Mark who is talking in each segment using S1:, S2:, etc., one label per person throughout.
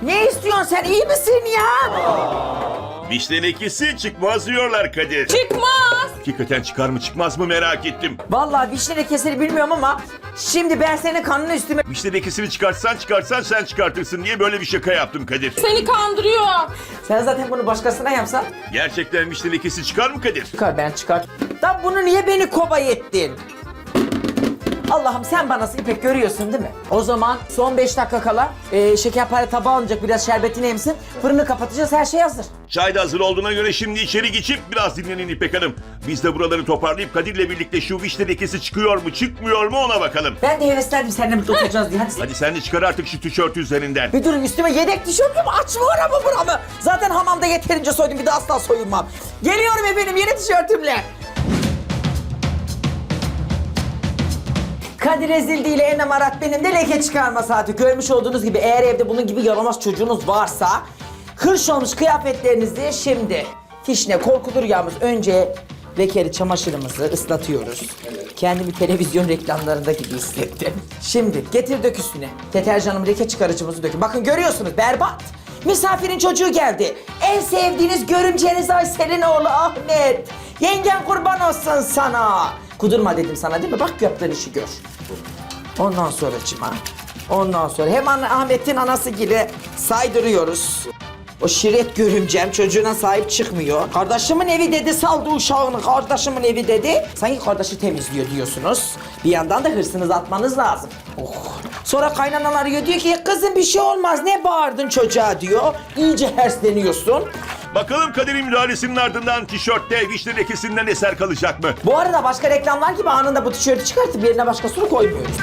S1: Ne istiyorsun sen? İyi misin ya?
S2: Vişne lekesi çıkmaz diyorlar Kadir.
S3: Çıkmaz.
S2: Hakikaten çıkar mı çıkmaz mı merak ettim.
S1: Vallahi vişne lekesini bilmiyorum ama şimdi ben senin kanını üstüme...
S2: Vişne lekesini çıkarsan sen çıkartırsın diye böyle bir şaka yaptım Kadir.
S3: Seni kandırıyor.
S1: Sen zaten bunu başkasına yapsan
S2: Gerçekten vişne lekesi çıkar mı Kadir?
S1: çıkar, ben çıkar. Da bunu niye beni kobay ettin? Allah'ım sen bana İpek görüyorsun değil mi? O zaman son 5 dakika kala şekerpare tabağı alınacak, biraz şerbetini emsin. Fırını kapatacağız, her şey hazır.
S2: Çay da hazır olduğuna göre şimdi içeri geçip biraz dinlenin İpek Hanım. Biz de buraları toparlayıp Kadir'le birlikte şu vişne lekesi çıkıyor mu çıkmıyor mu ona bakalım.
S1: Ben de heveslendim seninle birlikte oturacağız diye. Hadi.
S2: Hadi sen de çıkar artık şu tişörtü üzerinden.
S1: Bir durun, üstüme yedek tişört mü? Açma oramı buramı. Zaten hamamda yeterince soydum, bir de asla soyunmam. Geliyorum efendim yeni tişörtümle. Kadir Ezildi ile Enem Arat benim de leke çıkarma saati. Görmüş olduğunuz gibi eğer evde bunun gibi yaramaz çocuğunuz varsa hırş olmuş kıyafetlerinizi şimdi fişne korkulur yağımız önce lekeli çamaşırımızı ıslatıyoruz. Kendimi televizyon reklamlarında gibi hissettim. Şimdi getir dök üstüne. Deterjanım leke çıkarıcımızı dökün. Bakın görüyorsunuz berbat. Misafirin çocuğu geldi. En sevdiğiniz görümceniz Aysel'in oğlu Ahmet. Yengen kurban olsun sana. Kudurma dedim sana değil mi? Bak yaptığın işi gör. Ondan sonra hemen Ahmet'in anası gibi saydırıyoruz. O şiret görümcem çocuğuna sahip çıkmıyor. Kardeşimin evi dedi, saldı uşağını, kardeşimin evi dedi. Sanki kardeşi temizliyor diyorsunuz. Bir yandan da hırsınızı atmanız lazım. Oh. Sonra kaynanalar arıyor, diyor ki kızım bir şey olmaz, ne bağırdın çocuğa diyor. İyice hersleniyorsun.
S2: Bakalım Kadir'in müdahalesinin ardından tişörtte vişne lekesinden eser kalacak mı?
S1: Bu arada başka reklamlar gibi anında bu tişörtü çıkartıp yerine başkasını koymuyoruz.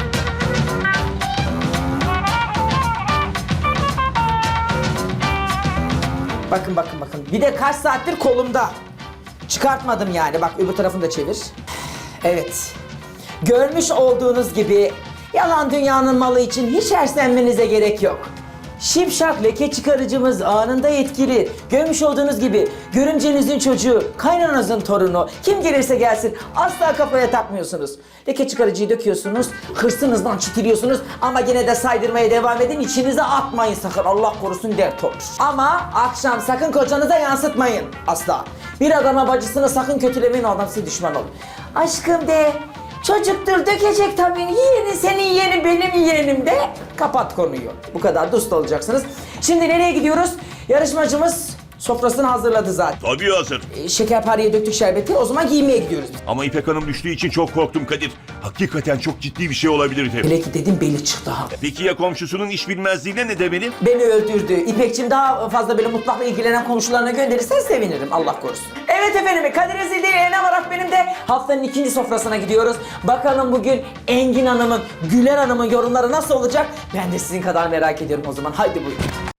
S1: Bakın. Bir de kaç saattir kolumda. Çıkartmadım yani. Bak öbür tarafını da çevir. Evet. Görmüş olduğunuz gibi yalan dünyanın malı için hiç herslenmenize gerek yok. Şipşak leke çıkarıcımız anında etkili. Görmüş olduğunuz gibi görümcenizin çocuğu, kaynananızın torunu, kim gelirse gelsin asla kafaya takmıyorsunuz. Leke çıkarıcıyı döküyorsunuz, hırsınızdan çitiliyorsunuz ama yine de saydırmaya devam edin. İçinize atmayın sakın, Allah korusun dert olur. Ama akşam sakın kocanıza yansıtmayın asla. Bir adama bacısını sakın kötülemeyin, o adam size düşman olur. Aşkım de, çocuktur dökecek tabii, yeğenin senin yeğenin benim yeğenim de kapat konuyu. Bu kadar dost olacaksınız. Şimdi nereye gidiyoruz? Yarışmacımız sofrasını hazırladı zaten.
S2: Tabii hazır.
S1: Şekerpareye döktük şerbeti, o zaman giymeye gidiyoruz.
S2: Ama İpek Hanım düştüğü için çok korktum Kadir. Hakikaten çok ciddi bir şey olabilirdi.
S1: Hele ki dedim beli çıktı ha.
S2: Peki ya komşusunun iş bilmezliğine ne demeli?
S1: Beni öldürdü. İpekçim daha fazla böyle mutfakla ilgilenen komşularına gönderirsen sevinirim, Allah korusun. Evet efendim, Kadir Ezildi ile Enem Arat benim de haftanın ikinci sofrasına gidiyoruz. Bakalım bugün Engin Hanım'ın, Güler Hanım'ın yorumları nasıl olacak? Ben de sizin kadar merak ediyorum o zaman. Haydi buyurun.